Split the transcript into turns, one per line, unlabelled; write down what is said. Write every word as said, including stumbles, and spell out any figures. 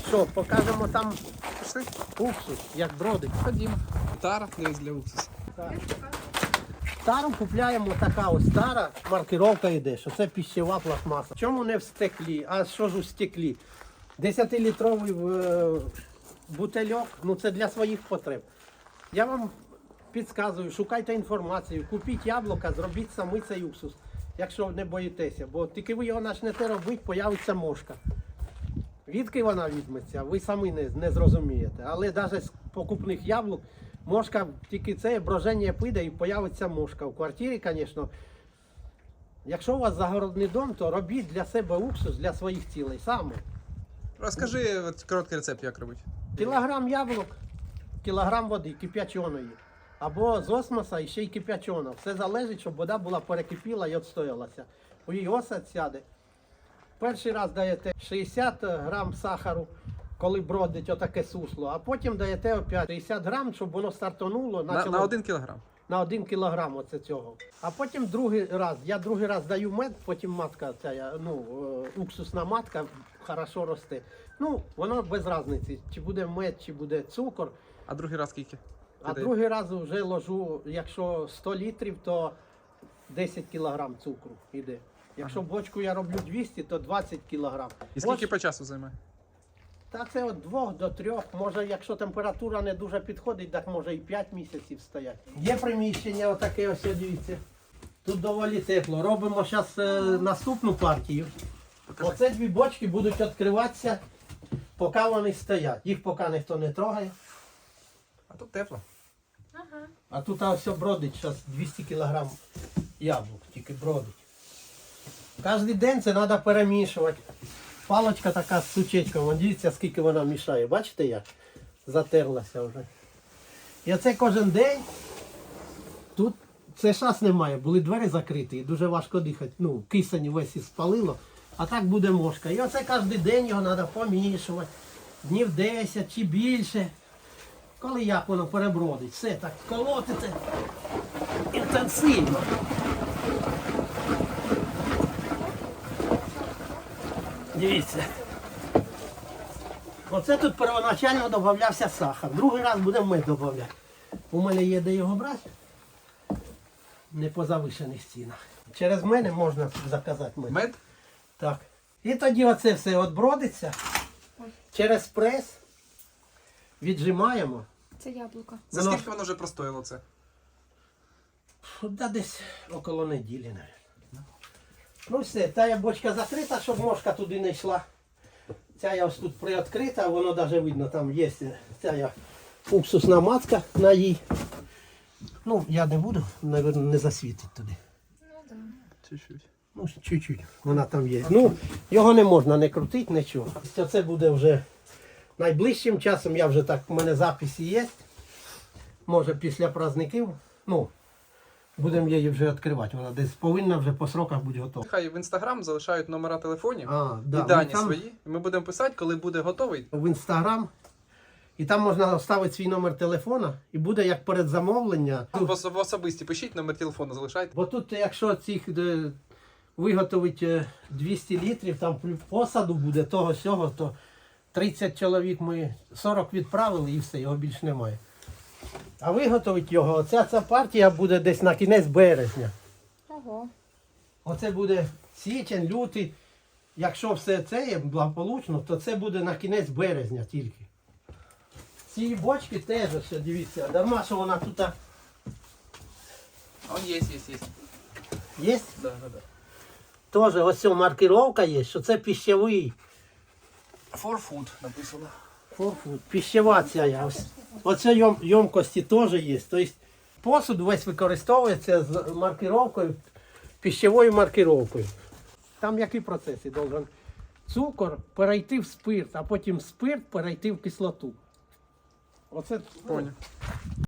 Що, покажемо там
Пішли?
уксус, як бродить.
Ходімо. Тара, дивись, для уксусу.
Тару купляємо така ось стара, маркировка йде, що це пищева пластмаса. Чому не в стеклі, а що ж у стеклі? десятилітровий е, бутильок, ну це для своїх потреб. Я вам підказую, шукайте інформацію, купіть яблука, зробіть самі цей уксус, якщо не боїтеся, бо тільки ви його почнете робити, появиться мошка. Відки вона візьметься, ви самі не, не зрозумієте. Але навіть з покупних яблук мошка, тільки це броження піде і появиться мошка. В квартирі, звісно, якщо у вас загородний дом, то робіть для себе уксус для своїх цілей саме.
Розкажи от, короткий рецепт, як робити.
Кілограм яблук, кілограм води кип'яченої. Або з осмоса і ще й кип'ячена. Все залежить, щоб вода була перекипіла і відстоялася. У її осад сяде. Перший раз даєте шістдесят грам сахару, коли бродить отаке сусло, а потім даєте опять шістдесят грам, щоб воно стартонуло.
На,
почало-
на один кілограм.
на один кілограм оце цього. А потім другий раз, я другий раз даю мед, потім матка, ця, ну, е, уксусна матка хорошо росте. Ну, воно без різниці, чи буде мед, чи буде цукор.
А другий раз скільки?
А
Ти
другий раз вже ложу, якщо сто літрів, то десять кілограм цукру йде. Якщо бочку я роблю двісті, то двадцять кілограм.
І скільки по часу займає?
Та це від двох до трьох, може, якщо температура не дуже підходить, так може і п'ять місяців стоять. Є приміщення отаке, ось дивіться. Тут доволі тепло. Робимо зараз е, наступну партію.
Покажи.
Оце дві бочки будуть відкриватися, поки вони стоять. Їх поки ніхто не трогає.
А тут тепло.
А тут ось бродить зараз двісті кілограм яблук, тільки бродить. Кожен день це треба перемішувати. Палочка така з сучечком, вон дивіться, скільки вона мішає. Бачите як? Затерлася вже. І оце кожен день. Тут це шас немає, були двері закриті і дуже важко дихати. Ну, кисень весь і спалило, а так буде мошка. І оце кожен день його треба помішувати. Днів десять чи більше. Коли як воно перебродить, все так колотите інтенсивно. Дивіться. Оце тут первоначально додавався сахар. Другий раз будемо мед додавати. У мене є де його брати. Не по завишених цінах. Через мене можна заказати мед.
Мед?
Так. І тоді оце все відбродиться. Через прес віджимаємо.
Це яблуко.
За
Воно-
скільки воно вже простоїло це?
Да десь около неділі, навіть. Ну все, та бочка закрита, щоб мошка туди не йшла. Ця я ось тут приоткрита, воно навіть видно, там є ця я уксусна матка на їй. Ну, я не буду, мабуть, не засвітить туди.
Ну так.
Чуть-чуть.
Ну, чуть-чуть, вона там є. Ну, його не можна не крутити, нічого. Це буде вже найближчим часом, я вже так, у мене записи є. Може після праздників, ну, будемо її вже відкривати. Вона десь повинна вже по сроках бути готова.
Хай в інстаграм залишають номера телефонів
А, да,
і дані
там-
свої. І ми будемо писати, коли буде готовий.
В інстаграм. І там можна вставити свій номер телефона і буде як передзамовлення.
В, ос- в особисті пишіть, номер телефону залишайте.
Бо тут, якщо цих е, виготовить е, двісті літрів, там плю- посаду буде того сього, то тридцять чоловік ми сорок відправили і все, його більше немає. А виготовить його, оця ця партія буде десь на кінець березня.
Ого.
Оце буде січень, лютий. Якщо все це є благополучно, то це буде на кінець березня тільки. Ці бочки теж, ось, дивіться, дарма, що вона тут а,
Он є, є, є.
є.
Да, да, да.
Теж ось ця маркировка є, що це пищевий.
For food написано.
Форфуд, пищева ця. я. Ось, оце йом, йомкості теж є. Тобто посуд весь використовується з маркировкою, пищевою маркировкою. Там які процеси должен цукор перейти в спирт, а потім спирт перейти в кислоту. Оце, ну,
Поняв.